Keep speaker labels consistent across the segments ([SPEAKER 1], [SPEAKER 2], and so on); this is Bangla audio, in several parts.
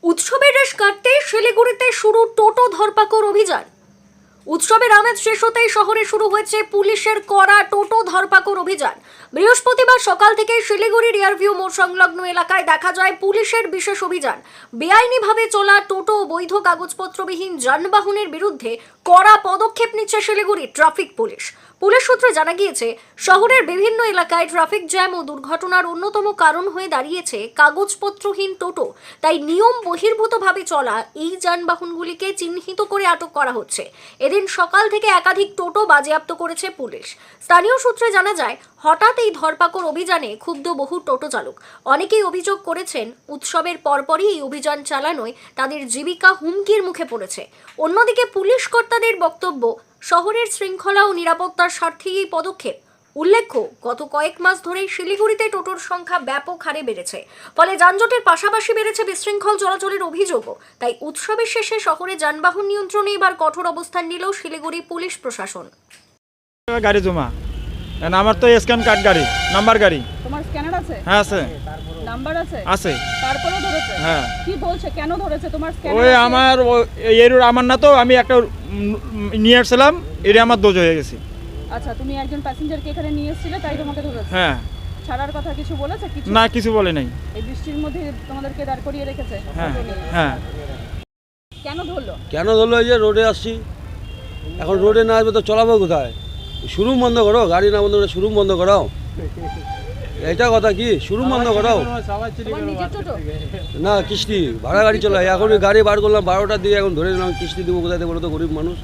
[SPEAKER 1] উৎসবের রেশ কাটতে শিলিগুড়িতে শুরু টোটো ধরপাকড় অভিযান। উৎসবের আমেজ শেষ হতেই শহরে শুরু হয়েছে পুলিশের কড়া টোটো ধরপাকড় অভিযান। বৃহস্পতিবার সকাল থেকে শিলিগুড়ি রিয়ারভিউ মোড় সংলগ্ন এলাকায় দেখা যায় পুলিশের বিশেষ অভিযান। বেআইনিভাবে চলা টোটো ও বৈধ কাগজপত্রবিহীন যানবাহনের বিরুদ্ধে কড়া পদক্ষেপ নিচ্ছে শিলিগুড়ি ট্রাফিক পুলিশ। পুলিশ সূত্রে জানা গিয়েছে, শহরের বিভিন্ন এলাকায় ট্রাফিক জ্যাম ও দুর্ঘটনার অন্যতম কারণ হয়ে দাঁড়িয়েছে কাগজপত্রহীন টোটো। তাই নিয়ম বহির্ভূতভাবে চলা এই যানবাহনগুলিকে চিহ্নিত করে আটক করা হচ্ছে। এদিন সকাল থেকে একাধিক টোটো বাজেয়াপ্ত করেছে পুলিশ। স্থানীয় সূত্রে জানা যায়, হঠাৎ এই ধরপাকড় অভিযানে ক্ষুব্ধ বহু টোটো চালক। অনেকেই অভিযোগ করেছেন, উৎসবের পরপরই এই অভিযান চালানোয় তাদের জীবিকা হুমকির মুখে পড়েছে। অন্যদিকে পুলিশ কর্তাদের বক্তব্য, শহরের শৃঙ্খলা ও নিরাপত্তার স্বার্থেই এই পদক্ষেপ। উল্লেখ্য, গত কয়েক মাস ধরেই শিলিগুড়িতে টোটোর সংখ্যা ব্যাপক হারে বেড়েছে। ফলে যানজটের পাশাপাশি বেড়েছে বিশৃঙ্খল চলাচলের অভিযোগও। তাই উৎসবের শেষে শহরে যানবাহন নিয়ন্ত্রণে এবার কঠোর অবস্থান নিল শিলিগুড়ি পুলিশ প্রশাসন।
[SPEAKER 2] গাড়ি জমা আমার তো স্ক্যান কার্ড গাড়ি, নাম্বার গাড়ি।
[SPEAKER 3] তোমার স্ক্যানার আছে?
[SPEAKER 2] হ্যাঁ আছে।
[SPEAKER 3] নাম্বার আছে?
[SPEAKER 2] আছে।
[SPEAKER 3] তারপরেও ধরেছে?
[SPEAKER 2] হ্যাঁ।
[SPEAKER 3] কি বলছে, কেন ধরেছে? তোমার স্ক্যানার
[SPEAKER 2] ওই আমার আমার না, তো আমি একটা নিয়ে আসছিলাম, এটা আমার দোষ হয়ে গেছে।
[SPEAKER 3] আচ্ছা, তুমি একজন প্যাসেঞ্জারকে এখানে নিয়ে এসেছিলে, তাই তোমাকে ধরেছে?
[SPEAKER 2] হ্যাঁ।
[SPEAKER 3] ছাড়ার কথা কিছু বলেছে? কিছু
[SPEAKER 2] না, কিছু বলে নাই।
[SPEAKER 3] এই বৃষ্টির মধ্যে তোমাদেরকে দাঁড় করিয়ে রেখেছে?
[SPEAKER 2] হ্যাঁ হ্যাঁ।
[SPEAKER 3] কেন ধরলো?
[SPEAKER 4] এই যে রোডে আসছি, এখন রোডে না আসবে তো চলাবো কোথায়? শোরুম বন্ধ করো, গাড়ি না বন্ধ করে শোরুম বন্ধ করাও। এটা কথা কি, শোরুম বন্ধ করাও?
[SPEAKER 3] তোমার নিজের টোটো?
[SPEAKER 4] না, কিস্তি ভাড়া গাড়ি চলে। এখন ওই গাড়ি বার করলাম 12টার দিকে, এখন ধরে নিলাম, কিস্তি দেবো কোথায় দেবো? তো গরিব মানুষ।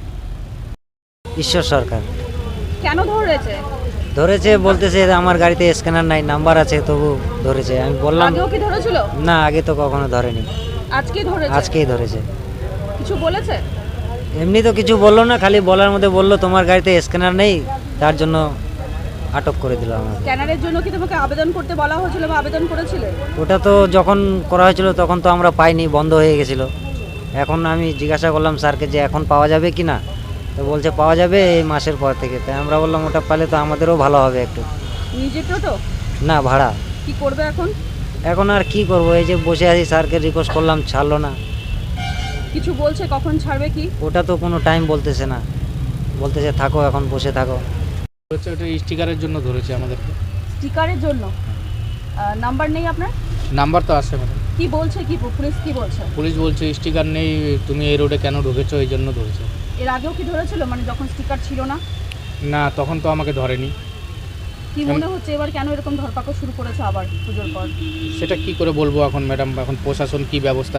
[SPEAKER 5] ঈশ্বর সরকার
[SPEAKER 3] কেন ধরেছে?
[SPEAKER 5] ধরেছে, বলতেছে আমার গাড়িতে স্ক্যানার নাই, নাম্বার আছে, তবু ধরেছে। আমি বললাম
[SPEAKER 3] আগেও কি ধরেছিল?
[SPEAKER 5] না, আগে তো কখনো ধরেনি,
[SPEAKER 3] আজকেই ধরেছে?
[SPEAKER 5] আজকেই ধরেছে।
[SPEAKER 3] কিছু বলেছে?
[SPEAKER 5] এমনি তো কিছু বললো না, খালি বলার মধ্যে বললো তোমার গাড়িতে স্ক্যানার নেই, তার জন্য আটক করে দিল আমাকে।
[SPEAKER 3] স্ক্যানারের জন্য কি তোমাকে আবেদন করতে বলা হয়েছিল বা আবেদন করেছিলে?
[SPEAKER 5] ওটা তো যখন করা হয়েছিল তখন তো আমরা পাইনি, বন্ধ হয়ে গেছিল। এখন আমি জিজ্ঞাসা করলাম স্যারকে যে এখন পাওয়া যাবে কি না, তো বলছে পাওয়া যাবে এই মাসের পর থেকে। তাই আমরা বললাম ওটা পালে তো আমাদেরও ভালো হবে একটু।
[SPEAKER 3] নিজের টোটো?
[SPEAKER 5] না, ভাড়া।
[SPEAKER 3] কি করবে এখন?
[SPEAKER 5] এখন আর কি করবো, এই যে বসে আছি, স্যারকে রিকোয়েস্ট করলাম, ছাড়লো না।
[SPEAKER 3] কিছু বলছে কখন ছাড়বে কি?
[SPEAKER 5] ওটা তো কোনো টাইম বলতেছে না, বলতেছে থাকো, এখন বসে থাকো।
[SPEAKER 6] হচ্ছে ওটা স্টিকারের জন্য ধরেছে আমাদেরকে।
[SPEAKER 3] স্টিকারের জন্য? নাম্বার নেই আপনার?
[SPEAKER 6] নাম্বার তো আছে ম্যাডাম।
[SPEAKER 3] কি বলছে, কি পুলিশ কি বলছে?
[SPEAKER 6] পুলিশ বলছে স্টিকার নেই, তুমি এই রোডে কেন ঢুকেছো, এই জন্য ধরেছে।
[SPEAKER 3] এর আগেও কি ধরেছিল, মানে যখন স্টিকার ছিল না?
[SPEAKER 6] না, তখন তো আমাকে ধরেনি।
[SPEAKER 3] কি মনে হচ্ছে এবার কেন এরকম ধরপাকড় শুরু করেছে আবার পুজোর পর?
[SPEAKER 6] সেটা কি করে বলবো এখন ম্যাডাম, এখন প্রশাসন কি ব্যবস্থা